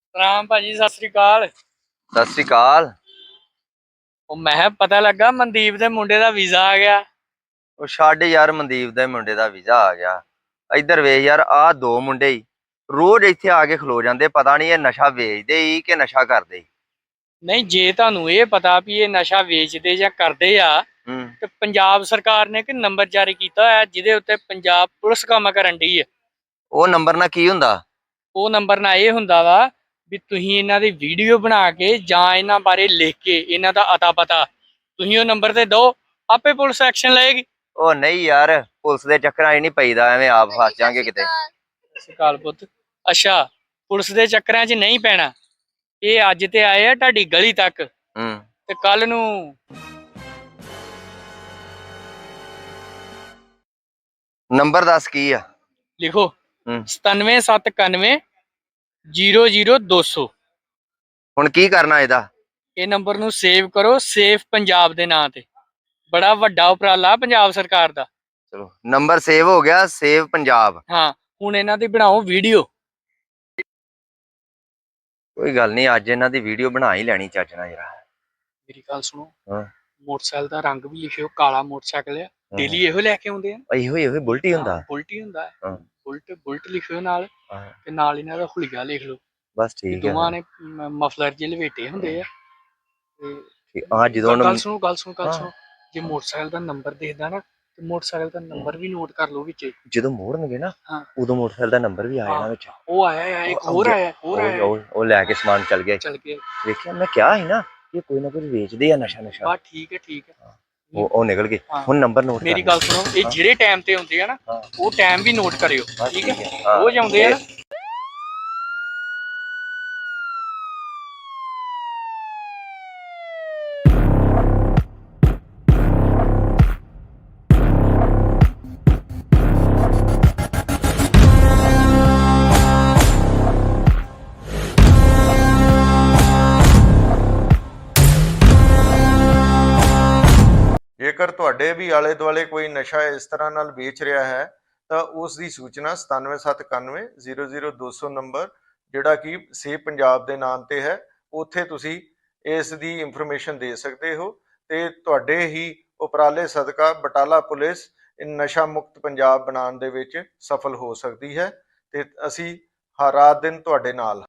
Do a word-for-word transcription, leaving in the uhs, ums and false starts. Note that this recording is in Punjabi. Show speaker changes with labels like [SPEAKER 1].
[SPEAKER 1] ਰਾਮ ਭਾਜੀ ਸਤਿ ਸ੍ਰੀ ਅਕਾਲ।
[SPEAKER 2] ਸਤਿ ਸ੍ਰੀ ਅਕਾਲ।
[SPEAKER 1] ਉਹ ਮੈਂ ਕਿਹਾ ਪਤਾ ਲੱਗਾ ਮਨਦੀਪ ਦੇ ਮੁੰਡੇ ਦਾ ਵੀਜ਼ਾ ਆ ਗਿਆ।
[SPEAKER 2] ਉਹ ਛੱਡ ਯਾਰ, ਮਨਦੀਪ ਦੇ ਮੁੰਡੇ ਦਾ ਵੀਜ਼ਾ ਆ ਗਿਆ। ਇੱਧਰ ਵੇਖ ਯਾਰ, ਆਹ ਦੋ ਮੁੰਡੇ ਹੀ ਰੋਜ਼ ਇੱਥੇ ਆ ਕੇ ਖਲੋ ਜਾਂਦੇ। ਪਤਾ ਨਹੀਂ ਇਹ ਨਸ਼ਾ ਵੇਚਦੇ ਹੀ ਕਿ ਨਸ਼ਾ ਕਰਦੇ।
[SPEAKER 1] ਨਹੀਂ, ਜੇ ਤੁਹਾਨੂੰ ਇਹ ਪਤਾ ਵੀ ਇਹ ਨਸ਼ਾ ਵੇਚਦੇ ਜਾਂ ਕਰਦੇ ਆ
[SPEAKER 2] ਹੂੰ।
[SPEAKER 1] ਤੇ ਪੰਜਾਬ ਸਰਕਾਰ ਨੇ ਇੱਕ ਨੰਬਰ ਜਾਰੀ ਕੀਤਾ ਹੋਇਆ ਜਿਹਦੇ ਉੱਤੇ ਪੰਜਾਬ ਪੁਲਿਸ ਕੰਮ ਕਰਨ ਡਈ ਹੈ।
[SPEAKER 2] ਉਹ ਨੰਬਰ ਨਾਲ ਕੀ ਹੁੰਦਾ?
[SPEAKER 1] ਉਹ ਨੰਬਰ ਨਾਲ ਇਹ ਹੁੰਦਾ ਵਾ ਵੀ ਤੁਸੀਂ ਇਹਨਾਂ ਦੀ ਵੀਡੀਓ ਬਣਾ ਕੇ ਜਾਂ ਇਹਨਾਂ ਬਾਰੇ ਲਿਖ ਕੇ ਇਹਨਾਂ ਦਾ ਅਤਾ ਪਤਾ ਤੁਸੀਂ ਉਹ ਨੰਬਰ ਤੇ ਦਿਓ, ਆਪੇ ਪੁਲਿਸ ਐਕਸ਼ਨ ਲਏਗੀ।
[SPEAKER 2] ਉਹ ਨਹੀਂ ਯਾਰ, ਪੁਲਿਸ ਦੇ ਚੱਕਰਾਂ 'ਚ ਨਹੀਂ ਪਈਦਾ, ਐਵੇਂ ਆਪ ਫਸ ਜਾਾਂਗੇ ਕਿਤੇ।
[SPEAKER 1] ਸਕਾਲ ਪੁੱਤ। ਅੱਛਾ, ਪੁਲਿਸ ਦੇ ਚੱਕਰਾਂ 'ਚ ਨਹੀਂ ਪੈਣਾ। ਇਹ ਅੱਜ ਤੇ ਆਏ ਆ ਤੁਹਾਡੀ ਗਲੀ ਤੱਕ,
[SPEAKER 2] ਹੂੰ।
[SPEAKER 1] ਤੇ ਕੱਲ ਨੂੰ
[SPEAKER 2] ਨੰਬਰ ਦੱਸ ਕੀ ਆ?
[SPEAKER 1] ਲਿਖੋ
[SPEAKER 2] ਹੂੰ।
[SPEAKER 1] ਸਤਾਨਵੇਂ ਸੱਤ ਇਕਾਨਵੇਂ ਜ਼ੀਰੋ ਜ਼ੀਰੋ ਦੋ ਸੌ।
[SPEAKER 2] ਹੁਣ ਕੀ ਕਰਨਾ ਇਹਦਾ? ਇਹ
[SPEAKER 1] ਨੰਬਰ ਨੂੰ ਸੇਵ ਕਰੋ, ਸੇਫ ਪੰਜਾਬ ਦੇ ਨਾਂ ਤੇ। ਬੜਾ ਵੱਡਾ ਉਪਰਾਲਾ ਪੰਜਾਬ ਸਰਕਾਰ ਦਾ।
[SPEAKER 2] ਚਲੋ, ਨੰਬਰ ਸੇਵ ਹੋ ਗਿਆ, ਸੇਵ ਪੰਜਾਬ।
[SPEAKER 1] ਹਾਂ, ਹੁਣ ਇਹਨਾਂ ਦੀ ਬਣਾਓ ਵੀਡੀਓ।
[SPEAKER 2] ਕੋਈ ਗੱਲ ਨਹੀਂ, ਅੱਜ ਇਹਨਾਂ ਦੀ ਵੀਡੀਓ ਬਣਾ ਹੀ ਲੈਣੀ ਚੱਜ ਨਾਲ ਯਾਰ।
[SPEAKER 1] ਮੇਰੀ ਗੱਲ ਸੁਣੋ,
[SPEAKER 2] ਹਾਂ।
[SPEAKER 1] ਮੋਟਰਸਾਈਕਲ ਦਾ ਰੰਗ ਵੀ ਲਿਖਿਓ, ਕਾਲਾ ਮੋਟਰਸਾਈਕਲ ਆ। ਡੇਲੀ ਇਹੋ ਲੈ ਕੇ ਆਉਂਦੇ ਆ।
[SPEAKER 2] ਇਹੋ ਇਹੋ ਬੁਲਟ ਹੀ ਹੁੰਦਾ।
[SPEAKER 1] ਬੁਲਟ ਹੀ ਹੁੰਦਾ।
[SPEAKER 2] ਹਾਂ।
[SPEAKER 1] ਬੁਲਟ ਬੁਲਟ ਲਿਖਿਓ ਨਾਲ,
[SPEAKER 2] ਹਾਂ।
[SPEAKER 1] ਤੇ ਨਾਲ ਇਹਨਾਂ ਦਾ ਹੁਲੀਆ ਲਿਖ ਲਓ।
[SPEAKER 2] ਬਸ ਠੀਕ ਹੈ।
[SPEAKER 1] ਦੋਵਾਂ ਨੇ ਮਫਲਰ ਜਿਹੇ ਲਵੇਟੇ ਹੁੰਦੇ ਆ। ਤੇ
[SPEAKER 2] ਆ ਜਦੋਂ
[SPEAKER 1] ਗੱਲ ਸੁਣੋ ਗੱਲ ਸੁਣੋ ਗੱਲ ਸੁਣੋ ਜੇ ਮੋਟਰਸਾਈਕਲ ਦਾ ਨੰਬਰ ਦੇਖਦਾ ਨਾ, ਤੇ ਮੋਟਰਸਾਈਕਲ ਦਾ ਨੰਬਰ ਵੀ ਨੋਟ ਕਰ ਲਓ ਵਿੱਚ। ਜਦੋਂ
[SPEAKER 2] ਮੋੜਨਗੇ ਨਾ,
[SPEAKER 1] ਹਾਂ,
[SPEAKER 2] ਉਦੋਂ ਮੋਟਰਸਾਈਕਲ ਦਾ ਨੰਬਰ ਵੀ ਆ ਜਾਣਾ ਵਿੱਚ।
[SPEAKER 1] ਉਹ ਆਇਆ, ਇੱਕ ਹੋਰ ਆਇਆ, ਹੋਰ ਆਇਆ।
[SPEAKER 2] ਉਹ ਲੈ ਕੇ ਸਮਾਨ ਚੱਲ ਗਏ।
[SPEAKER 1] ਚੱਲ ਗਏ।
[SPEAKER 2] ਦੇਖਿਆ, ਮੈਂ ਕਿਹਾ ਸੀ ਨਾ ਕਿ ਕੋਈ ਨਾ ਕੋਈ ਵੇਚਦੇ ਆ ਨਸ਼ਾ ਨਸ਼ਾ।
[SPEAKER 1] ਬਸ ਠੀਕ ਹੈ ਠੀਕ ਹੈ।
[SPEAKER 2] ਉਹ ਉਹ ਨਿਕਲ ਗਏ। ਹੁਣ ਨੰਬਰ ਨੋਟ।
[SPEAKER 1] ਮੇਰੀ ਗੱਲ ਸੁਣੋ, ਇਹ ਜਿਹੜੇ ਟਾਈਮ ਤੇ ਹੁੰਦੇ ਆ ਨਾ, ਉਹ ਟਾਈਮ ਵੀ ਨੋਟ ਕਰਿਓ, ਠੀਕ ਹੈ? ਰੋਜ਼ ਆਉਂਦੇ ਆ ਨਾ।
[SPEAKER 3] ਜੇਕਰ ਤੁਹਾਡੇ ਵੀ ਆਲੇ ਦੁਆਲੇ ਕੋਈ ਨਸ਼ਾ ਇਸ ਤਰ੍ਹਾਂ ਨਾਲ ਵੇਚ ਰਿਹਾ ਹੈ ਤਾਂ ਉਸ ਦੀ ਸੂਚਨਾ ਸਤਾਨਵੇਂ ਸੱਤ ਇਕਾਨਵੇਂ ਜ਼ੀਰੋ ਜ਼ੀਰੋ ਦੋ ਸੌ ਨੰਬਰ, ਜਿਹੜਾ ਕਿ ਸੇਵ ਪੰਜਾਬ ਦੇ ਨਾਮ ਤੇ ਹੈ, ਉੱਥੇ ਤੁਸੀਂ ਇਸ ਦੀ ਇਨਫੋਰਮੇਸ਼ਨ ਦੇ ਸਕਦੇ ਹੋ। ਤੇ ਤੁਹਾਡੇ ਹੀ ਉਪਰਾਲੇ ਸਦਕਾ ਬਟਾਲਾ ਪੁਲਿਸ ਨਸ਼ਾ ਮੁਕਤ ਪੰਜਾਬ ਬਣਾਉਣ ਦੇ ਵਿੱਚ ਸਫਲ ਹੋ ਸਕਦੀ ਹੈ। ਤੇ ਅਸੀਂ ਹਰ ਰਾਤ ਦਿਨ ਤੁਹਾਡੇ ਨਾਲ